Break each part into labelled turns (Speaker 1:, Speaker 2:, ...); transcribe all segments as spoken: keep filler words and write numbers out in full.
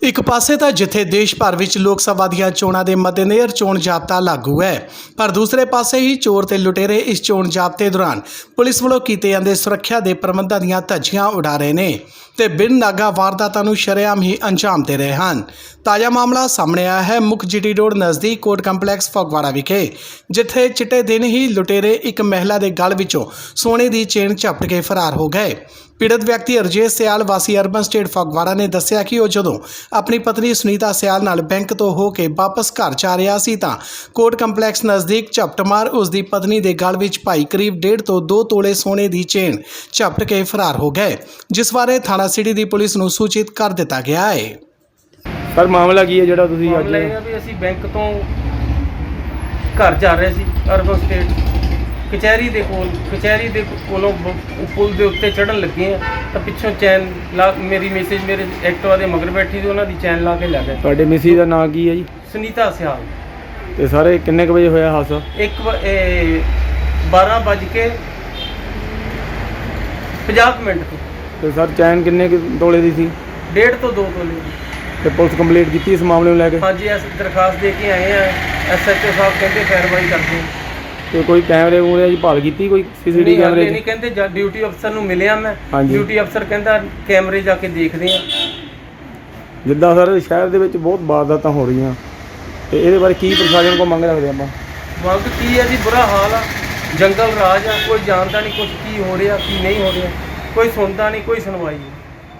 Speaker 1: ਇੱਕ ਪਾਸੇ ਤਾਂ ਜਿੱਥੇ ਦੇਸ਼ ਭਰ ਵਿੱਚ ਲੋਕ ਸਭਾ ਦੀਆਂ ਚੋਣਾਂ ਦੇ ਮੱਦੇਨਜ਼ਰ ਚੋਣ ਜ਼ਾਬਤਾ ਲਾਗੂ ਹੈ, ਪਰ ਦੂਸਰੇ ਪਾਸੇ ਹੀ ਚੋਰ ਤੇ ਲੁਟੇਰੇ ਇਸ ਚੋਣ ਜ਼ਾਬਤੇ ਦੌਰਾਨ ਪੁਲਿਸ ਵੱਲੋਂ ਕੀਤੇ ਜਾਂਦੇ ਸੁਰੱਖਿਆ ਦੇ ਪ੍ਰਬੰਧਾਂ ਦੀਆਂ ਧੱਜੀਆਂ ਉਡਾ ਰਹੇ ਨੇ ਤੇ ਬਿਨ ਨਾਗਾ ਵਾਰਦਾਤਾਂ ਨੂੰ ਸ਼ਰੇਆਮ ਹੀ ਅੰਜਾਮ ਦੇ ਰਹੇ ਹਨ। ਤਾਜ਼ਾ ਮਾਮਲਾ ਸਾਹਮਣੇ ਆਇਆ ਹੈ ਮੁੱਖ ਜੀਟੀ ਰੋਡ ਨਜ਼ਦੀਕ ਕੋਰਟ ਕੰਪਲੈਕਸ ਫਗਵਾੜਾ ਵਿਖੇ, ਜਿੱਥੇ ਚਿੱਟੇ ਦਿਨ ਹੀ ਲੁਟੇਰੇ ਇੱਕ ਮਹਿਲਾ ਦੇ ਗਲ ਵਿੱਚੋਂ ਸੋਨੇ ਦੀ ਚੇਨ ਝਪਟ ਕੇ ਫਰਾਰ ਹੋ ਗਏ। ਪੀੜਤ ਵਿਅਕਤੀ ਅਰਜੇਸ਼ ਸਿਆਲ ਵਾਸੀ ਅਰਬਨ ਸਟੇਟ ਫਗਵਾੜਾ ਨੇ ਦੱਸਿਆ ਕਿ ਉਹ ਜਦੋਂ ਆਪਣੀ ਪਤਨੀ ਸੁਨੀਤਾ ਸਿਆਲ ਨਾਲ ਬੈਂਕ ਤੋਂ ਹੋ ਕੇ ਵਾਪਸ ਘਰ ਜਾ ਰਿਹਾ ਸੀ ਤਾਂ ਕੋਰਟ ਕੰਪਲੈਕਸ ਨਜ਼ਦੀਕ ਝਪਟਮਾਰ ਉਸ ਦੀ ਪਤਨੀ ਦੇ ਗਲ ਵਿੱਚ ਪਾਈ ਕਰੀਬ ਡੇਢ ਤੋਂ ਦੋ ਤੋਲੇ ਸੋਨੇ ਦੀ ਚੇਨ ਝਪਟ ਕੇ ਫਰਾਰ ਹੋ ਗਏ, ਜਿਸ ਬਾਰੇ ਥਾਣਾ ਸਿਟੀ ਦੀ ਪੁਲਿਸ ਨੂੰ ਸੂਚਿਤ ਕਰ ਦਿੱਤਾ ਗਿਆ ਹੈ।
Speaker 2: ਸਰ ਮਾਮਲਾ ਕੀ ਹੈ ਜਿਹੜਾ ਤੁਸੀਂ ਅੱਜ
Speaker 3: ਮਾਮਲਾ ਇਹ ਹੈ ਵੀ ਅਸੀਂ ਬੈਂਕ ਤੋਂ ਘਰ ਜਾ ਰਹੇ ਸੀ ਅਰਬਨ ਸਟੇਟ ਕਚਹਿਰੀ ਦੇ ਕੋਲ ਕਚਹਿਰੀ ਦੇ ਕੋਲੋਂ ਬ- ਪੁਲ ਦੇ ਉੱਤੇ ਚੜ੍ਹਨ ਲੱਗੇ ਆ ਤਾਂ ਪਿੱਛੋਂ ਚੈਨ ਲਾ ਮੇਰੀ ਮੈਸੇਜ ਮੇਰੇ ਐਕਟਿਵਾ ਦੇ ਮਗਰ ਬੈਠੀ ਸੀ, ਉਹਨਾਂ ਦੀ ਚੈਨ ਲਾ ਕੇ ਲੈ ਗਏ।
Speaker 2: ਤੁਹਾਡੇ ਮਿਸੀ ਦਾ ਨਾਂ ਕੀ ਹੈ ਜੀ?
Speaker 3: ਸੁਨੀਤਾ ਸਿਆਲ।
Speaker 2: ਤੇ ਸਾਰੇ ਕਿੰਨੇ ਕੁ ਵਜੇ ਹੋਇਆ ਹਾਦਸਾ?
Speaker 3: ਇੱਕ ਵ- ਇਹ ਬਾਰਾਂ ਵੱਜ ਕੇ ਪੰਜਾਹ ਕੁ ਮਿੰਟ ਤੋਂ
Speaker 2: ਤੇ ਸਰ ਚੈਨ ਕਿੰਨੇ ਕੁ ਤੋਲੇ ਦੀ ਸੀ?
Speaker 3: ਡੇਢ ਤੋਂ ਦੋ ਤੋਲੇ ਦੀ।
Speaker 2: ਤੇ ਪੁਲਿਸ ਕੰਪਲੀਟ ਕੀਤੀ ਇਸ ਮਾਮਲੇ ਨੂੰ ਲੈ ਕੇ?
Speaker 3: ਹਾਂਜੀ ਅਸੀਂ ਦਰਖਾਸਤ ਦੇ ਕੇ ਆਏ ਆ। ਐਸ ਐਚ ਓ ਸਾਹਿਬ ਕਹਿੰਦੇ ਕਾਰਵਾਈ ਕਰਦੇ।
Speaker 2: ਤੇ ਕੋਈ ਕੈਮਰੇ ਮੂਰੇ ਦੀ ਭਾਲ ਕੀਤੀ, ਕੋਈ ਸੀਸੀਟੀਵੀ
Speaker 3: ਨਹੀਂ
Speaker 2: ਕੈਮਰੇ
Speaker 3: ਨਹੀਂ
Speaker 2: ਦੀ?
Speaker 3: ਕਹਿੰਦੇ ਜਾਂ ਡਿਊਟੀ ਅਫਸਰ ਨੂੰ ਮਿਲਿਆ ਮੈਂ।
Speaker 2: ਹਾਂਜੀ।
Speaker 3: ਡਿਊਟੀ ਅਫਸਰ ਕਹਿੰਦਾ ਕੈਮਰੇ ਜਾ ਕੇ ਦੇਖਦੇ ਆ।
Speaker 2: ਜਿੱਦਾਂ ਸਰ ਸ਼ਹਿਰ ਦੇ ਵਿੱਚ ਬਹੁਤ ਵਾਰਦਾਤਾਂ ਹੋ ਰਹੀਆਂ, ਤੇ ਇਹਦੇ ਬਾਰੇ ਕੀ ਪ੍ਰਸ਼ਾਸਨ ਕੋਲ ਮੰਗ ਰੱਖਦੇ ਆਪਾਂ?
Speaker 3: ਮੰਗ ਕੀ ਹੈ ਜੀ? ਬੁਰਾ ਹਾਲ ਆ, ਜੰਗਲ ਰਾਜ ਆ, ਕੋਈ ਜਾਣਦਾ ਨਹੀਂ ਕੁਝ ਕੀ ਹੋ ਰਿਹਾ ਕੀ ਨਹੀਂ ਹੋ ਰਿਹਾ, ਕੋਈ ਸੁਣਦਾ ਨਹੀਂ, ਕੋਈ ਸੁਣਵਾਈ ਨਹੀਂ।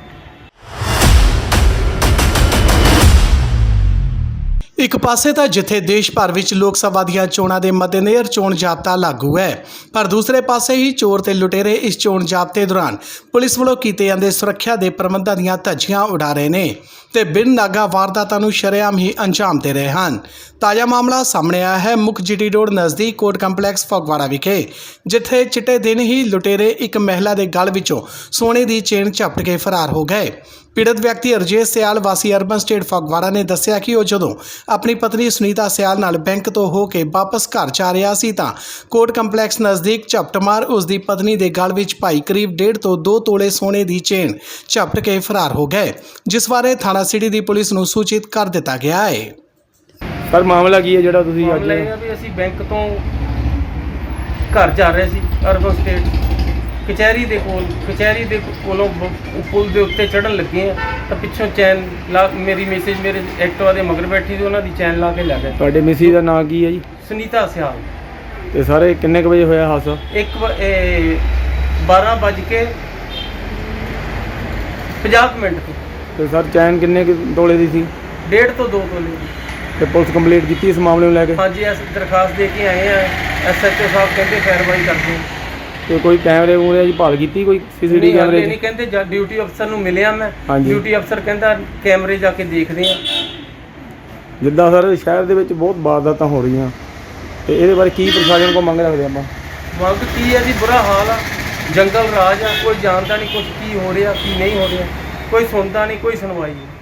Speaker 1: ਇੱਕ ਪਾਸੇ ਤਾਂ ਜਿੱਥੇ ਦੇਸ਼ ਭਰ ਵਿੱਚ ਲੋਕ ਸਭਾ ਦੀਆਂ ਚੋਣਾਂ ਦੇ ਮੱਦੇਨਜ਼ਰ ਚੋਣ ਜ਼ਾਬਤਾ ਲਾਗੂ ਹੈ, ਪਰ ਦੂਸਰੇ ਪਾਸੇ ਹੀ ਚੋਰ ਤੇ ਲੁਟੇਰੇ ਇਸ ਚੋਣ ਜ਼ਾਬਤੇ ਦੌਰਾਨ ਪੁਲਿਸ ਵੱਲੋਂ ਕੀਤੇ ਜਾਂਦੇ ਸੁਰੱਖਿਆ ਦੇ ਪ੍ਰਬੰਧਾਂ ਦੀਆਂ ਧੱਜੀਆਂ ਉਡਾ ਰਹੇ ਨੇ ਤੇ ਬਿਨ ਨਾਗਾ ਵਾਰਦਾਤਾਂ ਨੂੰ ਸ਼ਰੇਆਮ ਹੀ ਅੰਜਾਮ ਦੇ ਰਹੇ ਹਨ। ਤਾਜ਼ਾ ਮਾਮਲਾ ਸਾਹਮਣੇ ਆਇਆ ਹੈ ਮੁੱਖ ਜੀਟੀ ਰੋਡ ਨਜ਼ਦੀਕ ਕੋਰਟ ਕੰਪਲੈਕਸ ਫਗਵਾੜਾ ਵਿਖੇ, ਜਿੱਥੇ ਚਿੱਟੇ ਦਿਨ ਹੀ ਲੁਟੇਰੇ ਇੱਕ ਮਹਿਲਾ ਦੇ ਗਲ ਵਿੱਚੋਂ ਸੋਨੇ ਦੀ ਚੇਨ ਝਪਟ ਕੇ ਫਰਾਰ ਹੋ ਗਏ। ਪੀੜਤ ਵਿਅਕਤੀ ਅਰਜੇਸ਼ ਸਿਆਲ ਵਾਸੀ ਅਰਬਨ ਸਟੇਟ ਫਗਵਾੜਾ ਨੇ ਦੱਸਿਆ ਕਿ ਉਹ ਜਦੋਂ ਆਪਣੀ ਪਤਨੀ ਸੁਨੀਤਾ ਸਿਆਲ ਨਾਲ ਬੈਂਕ ਤੋਂ ਹੋ ਕੇ ਵਾਪਸ ਘਰ ਜਾ ਰਿਹਾ ਸੀ ਤਾਂ ਕੋਰਟ ਕੰਪਲੈਕਸ ਨਜ਼ਦੀਕ ਝਪਟਮਾਰ ਉਸ ਦੀ ਪਤਨੀ ਦੇ ਗਲ ਵਿੱਚ ਪਾਈ ਕਰੀਬ ਡੇਢ ਤੋਂ ਦੋ ਤੋਲੇ ਸੋਨੇ ਦੀ ਚੇਨ ਝਪਟ ਕੇ ਫਰਾਰ ਹੋ ਗਏ, ਜਿਸ ਬਾਰੇ ਥਾਣਾ ਸਿਟੀ ਦੀ ਪੁਲਿਸ ਨੂੰ ਸੂਚਿਤ ਕਰ ਦਿੱਤਾ ਗਿਆ ਹੈ।
Speaker 2: ਸਰ ਮਾਮਲਾ ਕੀ ਹੈ ਜਿਹੜਾ ਤੁਸੀਂ ਅੱਜ
Speaker 3: ਮਾਮਲਾ ਇਹ ਹੈ ਵੀ ਅਸੀਂ ਬੈਂਕ ਤੋਂ ਘਰ ਜਾ ਰਹੇ ਸੀ ਅਰਬਨ ਸਟੇਟ ਕਚਹਿਰੀ ਦੇ ਕੋਲ ਕਚਹਿਰੀ ਦੇ ਕੋਲੋਂ ਬ- ਪੁਲ ਦੇ ਉੱਤੇ ਚੜ੍ਹਨ ਲੱਗੇ ਆ ਤਾਂ ਪਿੱਛੋਂ ਚੈਨ ਲਾ ਮੇਰੀ ਮੈਸੇਜ ਮੇਰੇ ਐਕਟਿਵਾ ਦੇ ਮਗਰ ਬੈਠੀ ਸੀ, ਉਹਨਾਂ ਦੀ ਚੈਨ ਲਾ ਕੇ ਲੈ ਗਏ।
Speaker 2: ਤੁਹਾਡੇ ਮਿਸੀ ਦਾ ਨਾਂ ਕੀ ਹੈ ਜੀ?
Speaker 3: ਸੁਨੀਤਾ ਸਿਆਲ।
Speaker 2: ਤੇ ਸਾਰੇ ਕਿੰਨੇ ਕੁ ਵਜੇ ਹੋਇਆ ਹਾਦਸਾ?
Speaker 3: ਇੱਕ ਵ- ਇਹ ਬਾਰਾਂ ਵੱਜ ਕੇ ਪੰਜਾਹ ਕੁ ਮਿੰਟ ਤੋਂ
Speaker 2: ਤੇ ਸਰ ਚੈਨ ਕਿੰਨੇ ਕੁ ਤੋਲੇ ਦੀ ਸੀ?
Speaker 3: ਡੇਢ ਤੋਂ ਦੋ ਤੋਲੇ ਦੀ।
Speaker 2: ਤੇ ਪੁਲਿਸ ਕੰਪਲੀਟ ਕੀਤੀ ਇਸ ਮਾਮਲੇ ਨੂੰ ਲੈ ਕੇ?
Speaker 3: ਹਾਂਜੀ ਅਸੀਂ ਦਰਖਾਸਤ ਦੇ ਕੇ ਆਏ ਆ। ਐਸ ਐਚ ਓ ਸਾਹਿਬ ਕਹਿੰਦੇ ਕਾਰਵਾਈ ਕਰਦੇ।
Speaker 2: ਤੇ ਕੋਈ ਕੈਮਰੇ ਮੂਰੇ ਦੀ ਭਾਲ ਕੀਤੀ, ਕੋਈ ਸੀਸੀਟੀਵੀ
Speaker 3: ਨਹੀਂ
Speaker 2: ਕੈਮਰੇ
Speaker 3: ਹਾਲੇ
Speaker 2: ਦੀ?
Speaker 3: ਨਹੀਂ ਕਹਿੰਦੇ ਜਾਂ ਡਿਊਟੀ ਅਫਸਰ ਨੂੰ ਮਿਲਿਆ ਮੈਂ।
Speaker 2: ਹਾਂਜੀ।
Speaker 3: ਡਿਊਟੀ ਅਫਸਰ ਕਹਿੰਦਾ ਕੈਮਰੇ ਜਾ ਕੇ ਦੇਖਦੇ ਆ।
Speaker 2: ਜਿੱਦਾਂ ਸਰ ਸ਼ਹਿਰ ਦੇ ਵਿੱਚ ਬਹੁਤ ਵਾਰਦਾਤਾਂ ਹੋ ਰਹੀਆਂ, ਤੇ ਇਹਦੇ ਬਾਰੇ ਕੀ ਪ੍ਰਸ਼ਾਸਨ ਕੋਲ ਮੰਗ ਰੱਖਦੇ ਆਪਾਂ?
Speaker 3: ਮੰਗ ਕੀ ਹੈ ਜੀ? ਬੁਰਾ ਹਾਲ ਆ, ਜੰਗਲ ਰਾਜ ਆ, ਕੋਈ ਜਾਣਦਾ ਨਹੀਂ ਕੁਝ ਕੀ ਹੋ ਰਿਹਾ ਕੀ ਨਹੀਂ ਹੋ ਰਿਹਾ, ਕੋਈ ਸੁਣਦਾ ਨਹੀਂ, ਕੋਈ ਸੁਣਵਾਈ ਨਹੀਂ।